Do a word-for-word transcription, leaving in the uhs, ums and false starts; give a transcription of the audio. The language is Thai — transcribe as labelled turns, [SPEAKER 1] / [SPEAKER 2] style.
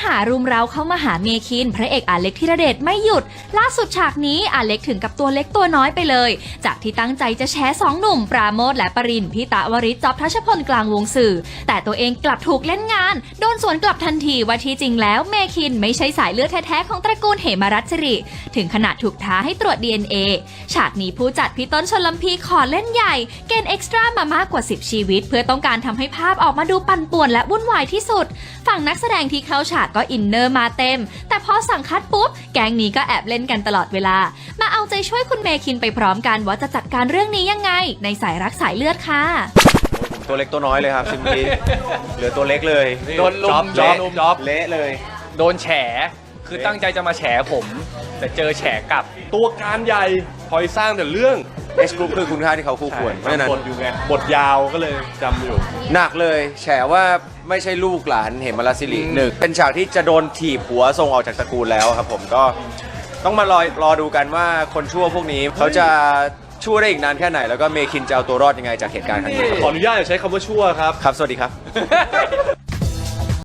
[SPEAKER 1] ารุมเร้าเข้ามาหาเมคินพระเอกอาเล็กธีรเดชไม่หยุดล่าสุดฉากนี้อาเล็กถึงกับตัวเล็กตัวน้อยไปเลยจากที่ตั้งใจจะแชร์สองหนุ่มปราโมทและปรินพี่ตะวริศจ๊อบทัชพลกลางวงสื่อแต่ตัวเองกลับถูกเล่นงานโดนสวนกลับทันทีว่าที่จริงแล้วเมคินไม่ใช่สายเลือดแท้ๆของตระกูลเหมรัชสิริถึงขนาดถูกท้าให้ตรวจ ดี เอ็น เอ ฉากนี้ผู้จัดพี่ต้นชลพีขอเล่นใหญ่เกณฑ์เอ็กซ์ตร้ามามากกว่าสิบชีวิตเพื่อต้องการทำให้ภาพออกมาดูปั่นป่วนและวุ่นวายที่สุดฝั่งนักแสดงที่เข้าฉากก็อินเนอร์มาเต็มแต่พอสั่งคัดปุ๊บแก๊งนี้ก็แอบเล่นกันตลอดเวลามาเอาใจช่วยคุณเมคินไปพร้อมกันว่าจะจัดการเรื่องนี้ยังไงในสายรักสายเลือดค่ะ
[SPEAKER 2] ตัวเล็กตัวน้อยเลยครับซิมพีเหลือตัวเล็กเลย
[SPEAKER 3] โดนลุม
[SPEAKER 2] จ๊อบ
[SPEAKER 3] จ๊อบ
[SPEAKER 2] เละเลย
[SPEAKER 3] โดนแฉคือตั้งใจจะมาแฉผมแต่เจอแฉกลับ
[SPEAKER 4] ตัวการใหญ่คอยสร้างแต่เรื่อง
[SPEAKER 2] เอส Group คือคุณค่าที่เขาคู่ควรเพราะฉะนั้น
[SPEAKER 4] บทอยู่ไงบทยาวก็เลยจำอยู่
[SPEAKER 2] หนักเลยแฉว่าไม่ใช่ลูกหลานเหมรัชสิริหนึ่งเป็นฉากที่จะโดนถีบหัวส่งออกจากตระกูลแล้วครับผมก็ต้องมารอรอดูกันว่าคนชั่วพวกนี้เขาจะชั่วได้อีกนานแค่ไหนแล้วก็เมคินจะเอาตัวรอดยังไงจากเหตุการณ์ครั้งนี้
[SPEAKER 4] ขออนุญาตอย่าใช้คำว่าชั่วครับ
[SPEAKER 2] ครับสวัสดีครับ